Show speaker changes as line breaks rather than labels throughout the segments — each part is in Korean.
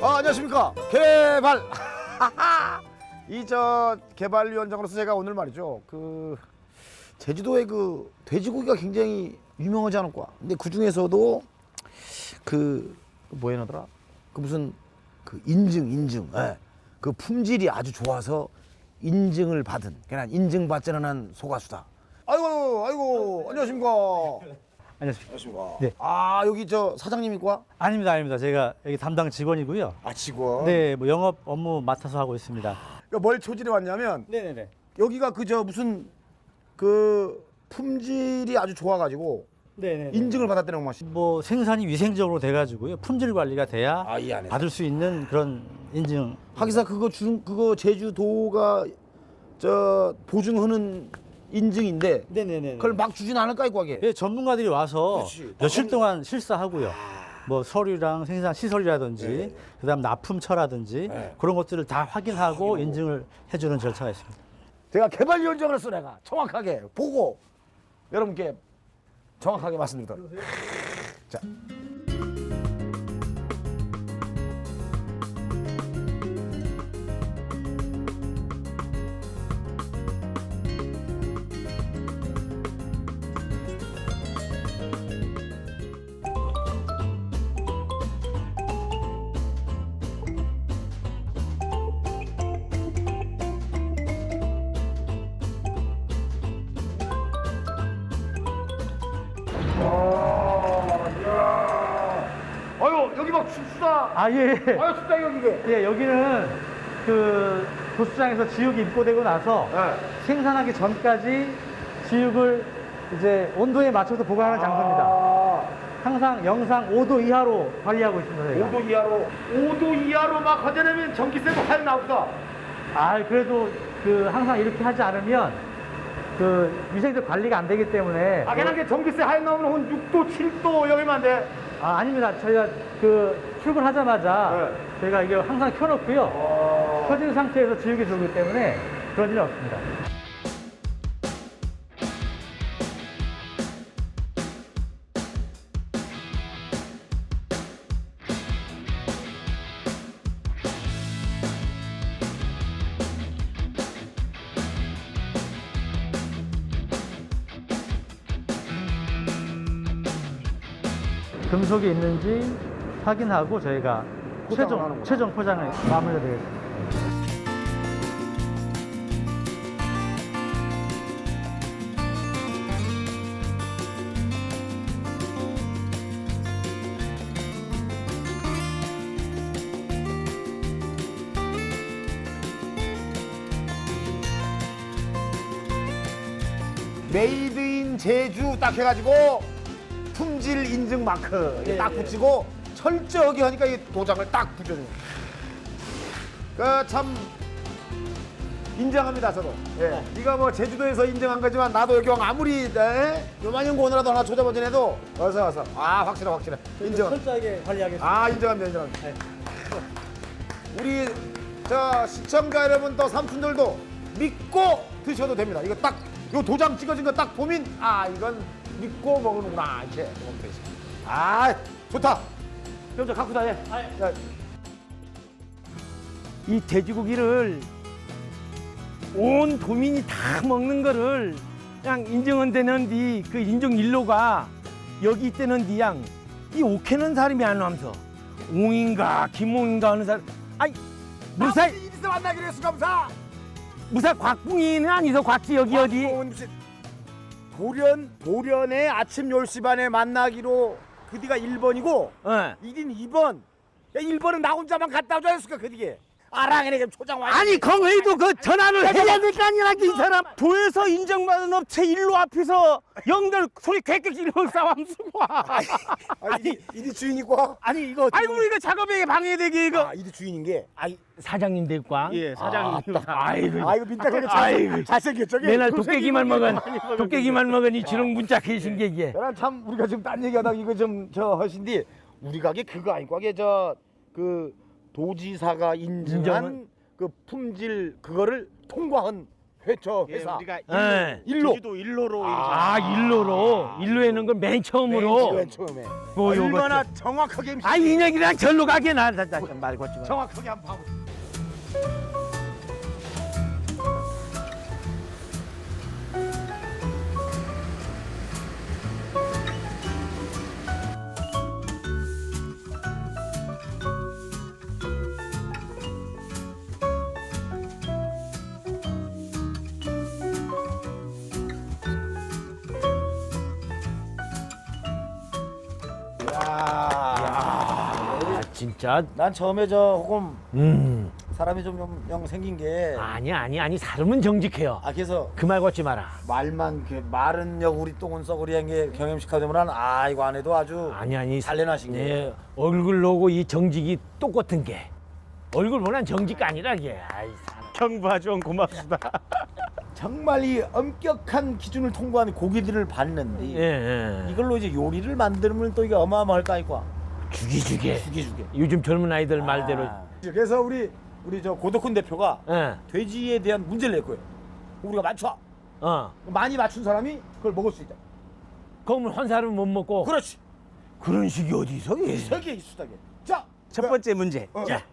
안녕하십니까. 개발. 이 개발위원장으로서 제가 오늘 말이죠. 제주도의 돼지고기가 굉장히 유명하지 않을까. 근데 그 중에서도 뭐에 나더라? 무슨 인증. 예. 그 품질이 아주 좋아서 인증을 받은, 그냥 인증받지 않은 소가수다. 아이고, 안녕하십니까.
안녕하십니까.
네. 여기 사장님이과?
아닙니다. 제가 여기 담당 직원이고요.
직원?
네, 뭐 영업 업무 맡아서 하고 있습니다.
그러니까 뭘 초질해 왔냐면,
네네네.
여기가 무슨 품질이 아주 좋아가지고
네네.
인증을 받았다는 맛이.
뭐 생산이 위생적으로 돼가지고요. 품질 관리가 돼야
이 안에서
받을 수 있는 그런 인증.
하기사 그거 제주도가 보증하는 인증인데
네네네.
그걸 막 주진 않을까 이거 하게.
예, 전문가들이 와서
그렇지.
며칠 동안 실사하고요. 뭐 서류랑 생산 시설이라든지
네.
그다음 납품처라든지
네.
그런 것들을 다 확인하고 인증을 해주는 절차가 있습니다.
제가 개발위원장으로서 내가 정확하게 보고 여러분께 정확하게 말씀드리도록. 자. 여기 막 춥다.
예.
춥다 여기.
예, 여기는 도수장에서 지육이 입고되고 나서 생산하기 전까지 지육을 이제 온도에 맞춰서 보관하는 장소입니다. 항상 영상 5도 이하로 관리하고 있습니다. 저희가.
5도 이하로. 5도 이하로 막 하자면 전기세도 하여 나옵니다.
그래도 항상 이렇게 하지 않으면 위생적 관리가 안 되기 때문에.
그냥 게 전기세 하여 나오면 한 6도, 7도 여기만 돼.
아닙니다. 저희가 출근하자마자 저희가 이게 항상 켜놓고요. 켜진 상태에서 지우개 들어오기 때문에 그런 일이 없습니다. 금속이 있는지 확인하고 저희가 최종 포장을 마무리드리겠습니다.
메이드 인 제주 딱 해가지고 품질 인증 마크 딱 붙이고 철저하게 하니까 이 도장을 딱 붙여주는 참 인정합니다. 저도. 네가 뭐 제주도에서 인정한 거지만 나도 여기 아무리 요만한 거 오느라도 하나 조잡아지해도 어서 확실해 인정.
철저하게 관리하겠습니다.
인정합니다. 우리 시청자 여러분 또 삼촌들도 믿고 드셔도 됩니다. 이거 딱 요 도장 찍어진 거 딱 보면 이건 믿고 먹는구나 이렇게 먹으면 되지. 좋다. 그럼 저 갖고 다녀.
이 돼지고기를 온 도민이 다 먹는 거를 그냥 인정은 되는데 그 인정 일로가 여기 있다는 디양 이 오케는 사람이 안 와면서 옹인가 김옹인가 하는 사람 무사
이리서 만나기로 했어 감사.
무사 곽붕이는 아니서 곽지 여기 어디
도련에 아침 10시 반에 만나기로 그디가 1번이고 이딘 2번. 야 1번은 나 혼자만 갔다 오자 했을까 그디게. 그래 좀 초장 와.
아니 건회도 그 전화를 해야 될 거 아니야 이 사람 도에서 인정받은 업체 일로 앞에서 영들 소리 객객 지르고 싸움 쓰고
이디 주인이과?
이거 아이고 이거 작업에 방해되게 이거
이디 주인인 게
사장님 될꽝
예, 사장님.
아이고
민탁하게 잘생겼죠.
맨날 도깨기만 먹은 이 주렁 문자 계신 게 이게
난 참 우리가 지금 딴 얘기하다가 이거 좀 하신디 우리 가게 그거 아니고 하게 도지사가 인증한 그 품질 그거를 통과한 회초
예,
회사.
우리가
예.
일로.
제주도 일로로
아, 일로에는 걸 맨 처음으로.
맨 처음에.
뭐 요거.
얼마나 정확하게
아, 인혁이랑 절로 가게 나 말고 좀.
정확하게 한번 봐보.
아, 진짜.
난 처음에 저 혹은
음.
사람이 좀 생긴 게
아니 사람은 정직해요.
그래서
그 말 걷지 마라.
말만 말은 여구리 똥은 썩으리 한 게 경험식하다 보면 이거 안 해도 아주
아니
살려나신 게
네, 얼굴로고 이 정직이 똑같은 게 얼굴보단 정직가 아니라 게. 아이 사람.
경부하 좀 고맙습니다.
정말 이 엄격한 기준을 통과한 고기들을 봤는데
예.
이걸로 이제 요리를 만들면 또 이게 어마어마할 거 아니까
죽이주게.
죽이주게.
요즘 젊은 아이들 말대로.
그래서 우리 저 고덕훈 대표가
예.
돼지에 대한 문제를 낼 거예요. 우리가 맞춰. 많이 맞춘 사람이 그걸 먹을 수 있다.
그러면 한 사람은 못 먹고.
그렇지.
그런 식이 어디서? 예.
세계 이수다게. 자,
첫 번째 문제.
자,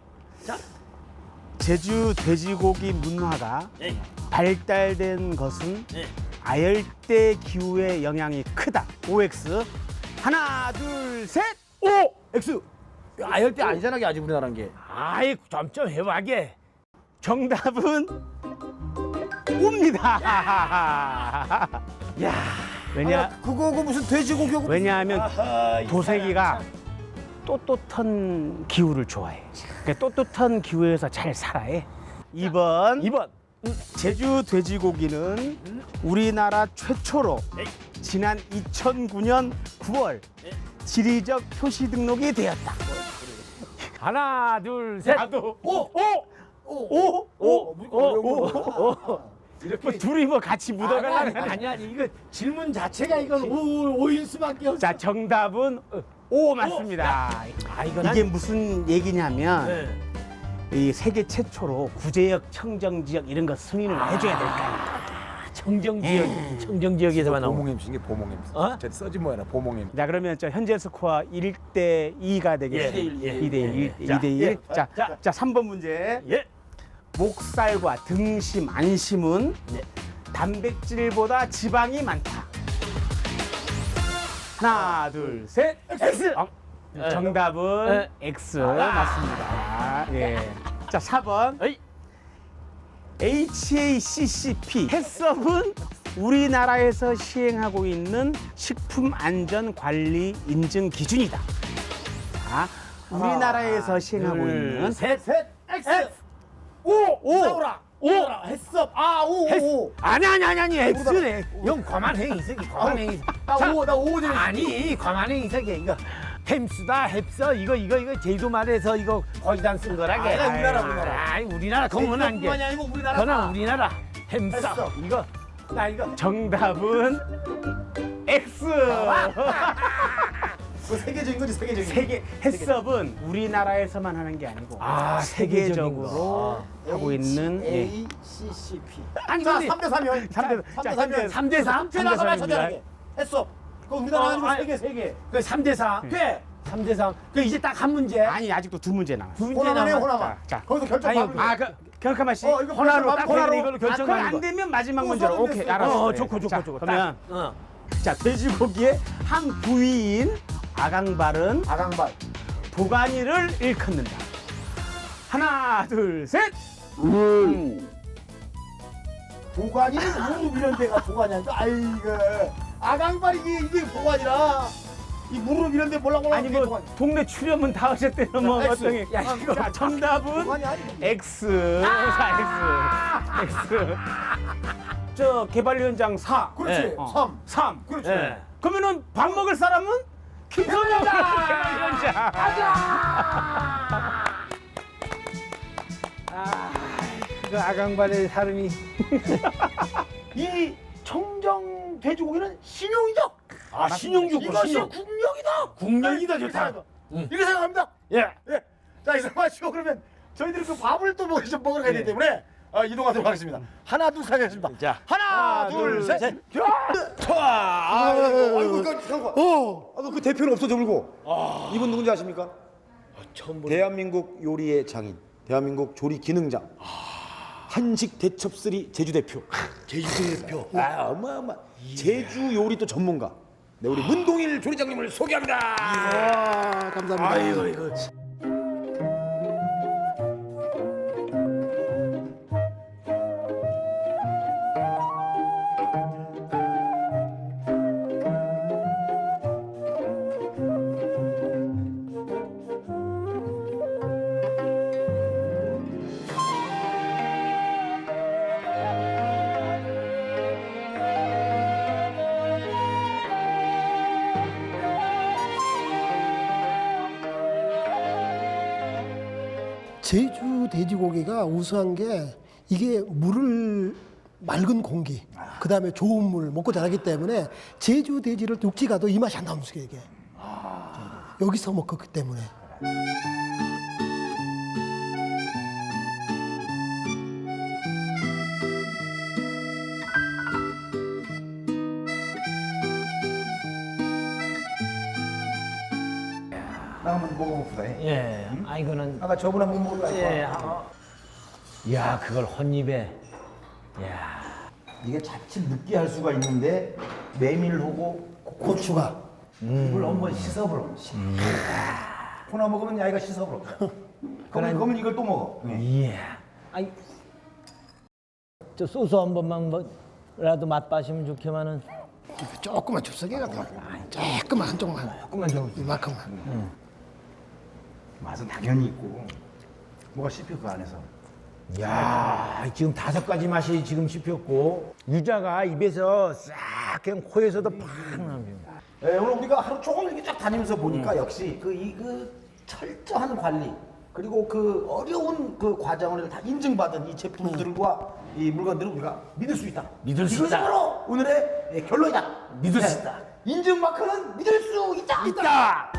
제주 돼지고기 문화가
네.
발달된 것은
네.
아열대 기후의 영향이 크다. OX. 하나, 둘, 셋.
오! X. 아열대 아니잖아, 아직 우리나라는 게.
아이 점점 해봐게.
정답은 옵니다.
야.
왜냐?
그거 무슨 돼지고기고?
왜냐하면
아하,
도색이가 떳떳한 기후를 좋아해. 그러니까 떳떳한 기후에서 잘 살아해. 2번. 제주 돼지고기는 우리나라 최초로 지난 2009년 9월 지리적 표시 등록이 되었다.
하나 둘 셋.
뭐 둘이 뭐 같이 묻어가려고 하네.
아니 이거 질문 자체가 이건 오일 수밖에 없어.
자, 정답은 O 맞습니다.
아 이건
이게 무슨 얘기냐면
네.
이 세계 최초로 구제역, 청정지역 이런 거 승인을 해줘야 될 거 아니야.
청정 지역 청정 지역에서만 나오는.
보몽 MC 이게 보몽 MC.
어?
저 써지 뭐야, 보몽 MC.
자, 그러면 저 현재 스코어 1대 2가 되겠습니다.
예,
2대 1,
자,
2대 1. 자, 3번 문제.
예.
목살과 등심, 안심은
네.
단백질보다 지방이 많다. 하나, 둘, 셋.
X.
정답은 X 맞습니다. 예. 자, 4번.
어이.
HACCP 해썹은 우리나라에서 시행하고 있는 식품안전관리 인증 기준이다. 자, 우리나라에서 시행하고 있는
셋.
X. 오! 나오라. 오! 했어. 오.
아니 X네. 형 과만행 이석이 과만행.
나 오.
아니 과만행 이석이 이거 햄스다 햅서 이거 제주도 말에서 이거 거기다 쓴 거라게.
아니, 우리나라.
아이 우리나라 그거는
뿐만이 아니고 우리나라.
그거는 우리나라 햄스
했어.
이거 나 이거
정답은 X.
그 세계적인 거지, 세계적인.
세계 해썹은 우리나라에서만 하는 게 아니고
세계적인
세계적으로 하고 있는 예.
HACCP.
아니
자,
근데
3대 3이요.
3대
3대 3?
쟤 나가
3대
맞춰야 했어. 그거 우리나라 아니고
아니,
세계.
그 3대 4.
돼.
3대 3. 그 이제 딱 한 문제.
아니, 아직도 두 문제 남았어.
두 문제
호나만해,
남았.
호나만.
자,
거기서 결정
아니,
받으면
경카마 씨.
이거
호나로 딱
호나로.
이걸로 결정하는
그럼
거.
안 되면 마지막
또
문제로.
서른
오케이,
됐어.
알았어.
좋고.
자, 그러면
어.
자, 돼지고기의 한 부위인 아강발은
아강발.
도가니를 일컫는다. 하나, 둘, 셋.
도관이는 무릎 이런 데가 도관이야. 아이고. 아강발이 이게 도관이라. 이 무릎 이런 데 몰라.
아니 뭐 동네 출연문 다 하셨대요. 뭐
X.
어떤 게.
야, 이거.
자, 정답은
도관이 아니고.
X. 자, X. 저 개발 현장 4.
그렇지.
예.
3.
3.
그렇지.
예.
그러면은 밥 먹을 사람은 김선영 개발 현장.
그 아강발의 사람이
이 청정 돼지고기는 신용이죠.
신용주
이것이 국력이다.
국력이다, 좋다.
이렇게 생각합니다.
예.
자, 이제 마시고 그러면 저희들이 그 밥을 또 먹으러 가야 되기 때문에 이동하도록 하겠습니다. 하나, 둘, 셋 하겠습니다.
자,
하나, 둘, 셋. 아이고, 잠깐. 그 대표는 없어져 불고. 이분 누군지 아십니까?
처음 보는.
대한민국 요리의 장인, 대한민국 조리 기능장, 한식 대첩3 제주 대표.
제주 대표.
어마어마. 제주 요리 또 전문가. 네, 우리 문동일 조리장님을 소개합니다.
감사합니다.
아이고 이거.
제주 돼지고기가 우수한 게 이게 물을 맑은 공기, 그 다음에 좋은 물 먹고 자라기 때문에 제주 돼지를 육지 가도 이 맛이 안 나오는 게 이게. 여기서 먹었기 때문에.
나 한번 먹어봅시다.
예. 아 이거는.
아까 저번에 못 먹은 거
예. 야 그걸 혼입에. 야.
이게 자칫 느끼할 수가 있는데 메밀하고
고추가.
이걸 한번 씻어보러. 코나 먹으면 야이가 씻어보러. 그러면 이걸 또 먹어.
예. 아이. 저 소스 한 번만 뭐라도 맛봐시면 좋게만은.
조금만 줍석이가 조금만 한쪽만.
조금만 좀.
이만큼만.
맛은 당연히 있고 뭐가 씹혀 그 안에서.
야 지금 5가지 맛이 지금 씹혔고 유자가 입에서 싹 그냥 코에서도 팍 나옵니다.
예, 오늘 우리가 하루 종일 이렇게 쫙 다니면서 보니까 역시 그 철저한 관리 그리고 그 어려운 그 과정을 다 인증받은 이 제품들과 이 물건들을 우리가 믿을 수 있다.
믿을 수
이것이
있다.
바로 오늘의 결론이다.
믿을 수 있다.
인증 마크는 믿을 수 있다.
있다.